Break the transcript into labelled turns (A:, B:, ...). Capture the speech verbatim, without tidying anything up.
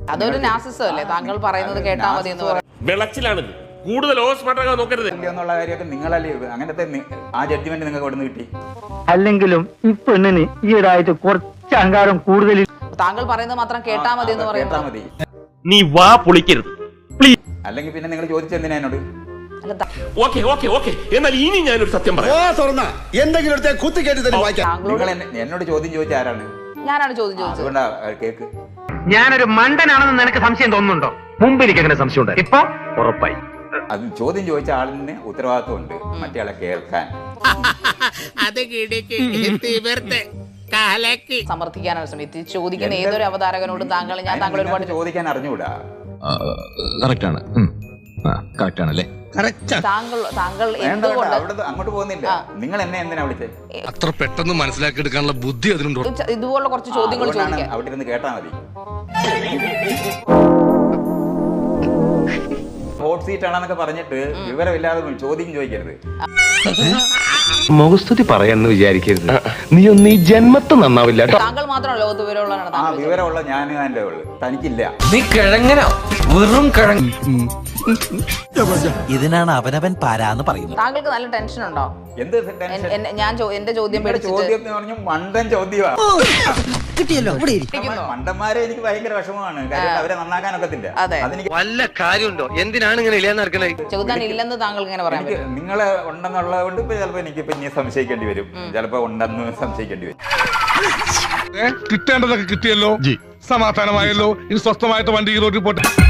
A: അതൊരു നാസിസം അല്ലേ? താങ്കൾ പറയുന്നത് കേട്ടാ മതി എന്ന് പറയാം.
B: വിളച്ചിലാണിത്. കൂടുതൽ ഓസ്മാർട്ടാകാൻ നോക്കരുത്
C: എന്നുള്ള കാര്യമൊക്കെ നിങ്ങളല്ലേ അങ്ങനത്തെ ആ ജഡ്ജ്മെന്റ് നിങ്ങൾക്ക് എവിടെ നിന്ന് കിട്ടി?
D: അല്ലെങ്കിലും ഈ പെണ്ണിന് ഈയിടായിട്ട് കുറച്ച് അഹങ്കാരം കൂടുതൽ.
A: താങ്കൾ പറയുന്നത് മാത്രം കേട്ടാ മതി എന്ന്
C: കേട്ടാ
A: പറയുന്നത്
C: മതി.
B: നീ വാ പൊളിക്കരുത്
C: അല്ലെങ്കിൽ പിന്നെ നിങ്ങൾ ചോദിച്ചെന്തിനാ എന്നോട്?
A: അല്ല, താ-
B: ഓക്കെ ഓക്കെ ഓക്കെ എന്നാൽ ഇനി ഞാനൊരു സത്യം പറയാം.
E: എന്തെങ്കിലും കുത്തി കേട്ടി തന്നെ വായിക്കാം.
A: താങ്കളോട്
C: നിങ്ങൾ എന്നെ- എന്നോട് ചോദ്യം ചോദിച്ച ആരാണ്?
A: ഞാനാണ് ചോദ്യം ചോദിച്ചത്.
C: അതുകൊണ്ടാ കേക്ക്.
D: ഞാനൊരു മണ്ടനാണെന്ന് നിനക്ക് സംശയം തോന്നുന്നുണ്ടോ? മുമ്പ് എനിക്ക് അങ്ങനെ സംശയം ഉണ്ട്, ഇപ്പൊ ഉറപ്പായി.
C: അത് ചോദ്യം ചോദിച്ച ആളിന് ഉത്തരവാദിത്വം ഉണ്ട് മറ്റേ ആളെ കേൾക്കാൻ.
A: സമർത്ഥിക്കാനാണ് ശ്രമിച്ചത്. ചോദിക്കുന്ന ഏതൊരു അവതാരകനോടും താങ്കൾ ഞാൻ താങ്കൾ ഒരുപാട്
C: ചോദിക്കാൻ അറിഞ്ഞുകൂടാ.
F: കറക്റ്റാണ് കറക്റ്റാണല്ലേ
A: താങ്കൾ താങ്കൾ
C: വേണ്ട, വേണ്ട,
A: എന്തുകൊണ്ട്
C: അവിടെ അങ്ങോട്ട് പോകുന്നില്ല. നിങ്ങൾ എന്നെ എന്തിനാ വിളിച്ചത്?
F: അത്ര പെട്ടെന്ന് മനസ്സിലാക്കി എടുക്കാനുള്ള ബുദ്ധി അതിനുണ്ടോ?
A: ഇതുപോലുള്ള കുറച്ച് ചോദ്യങ്ങൾ
C: അതുകൊണ്ടാണ്
A: ചോദിക്കാം.
C: അവിടെ ഇരുന്ന് കേട്ടാ മതി. ഹോട്ട് സീറ്റ് ആണെന്നൊക്കെ പറഞ്ഞിട്ട് വിവരമില്ലാതെ ചോദ്യം ചോദിക്കരുത്.
G: മുഖസ്തുതി പറയാന്ന് വിചാരിക്കരുത്. നീ ഒന്ന് ഈ ജന്മത്ത് നന്നാവില്ല.
A: താങ്കൾ മാത്രമല്ല ലോകത്ത് വിവരമുള്ളതാണ്.
C: ആ
A: താങ്കൾ
C: വിവരമുള്ള ഞാൻ അതിന്റെ ഉള്ളു, തനിക്കില്ല.
G: നീ കിഴങ്ങനോ വെറും കിഴങ്ങ്.
H: ഇതിനാണ് അവനവൻ പാരാന്ന് പറയുന്നത്.
A: താങ്കൾക്ക് നല്ല ടെൻഷൻ ഉണ്ടോ?
C: എന്ത് ടെൻഷൻ?
A: എൻ- എൻ- ഞാൻ ചോ- എന്റെ ചോദ്യം
C: നിങ്ങളുടെ
A: പേടിച്ചിട്ട്
C: ചോദ്യം എന്ന് പറഞ്ഞാൽ മണ്ടൻ ചോദ്യമാണ്.
H: കിട്ടിയല്ലോ ഇവിടെ
C: മണ്ടന്മാരെ എനിക്ക് ഭയങ്കര വിഷമമാണ്. കാര്യം അവരെ നന്നാക്കാനൊക്കത്തില്ല.
A: അതെ.
C: അതെനിക്ക്
G: വല്ല കാര്യമുണ്ടോ? എന്തിനാണ് ഇങ്ങനെ ഇല്ലാന്ന് നടക്കണേ?
A: ചോദ്യം ഇല്ലെന്ന് താങ്കൾക്ക് ഇങ്ങനെ പറയാൻ
C: എനിക്ക്
A: പറ്റും.
C: നിങ്ങളെ ഉണ്ടെന്നുള്ളത് കൊണ്ട് ഇപ്പൊ ചിലപ്പോ എനിക്ക് ഇപ്പൊ ഇനി സംശയിക്കേണ്ടി വരും. ചിലപ്പോ ഉണ്ടെന്ന് സംശയിക്കേണ്ടി വരും.
I: കിട്ടേണ്ടതൊക്കെ കിട്ടിയല്ലോ, സമാധാനമായല്ലോ. ഇനി സ്വസ്ഥമായിട്ട് വണ്ടി റോഡിൽ പോട്ടെ.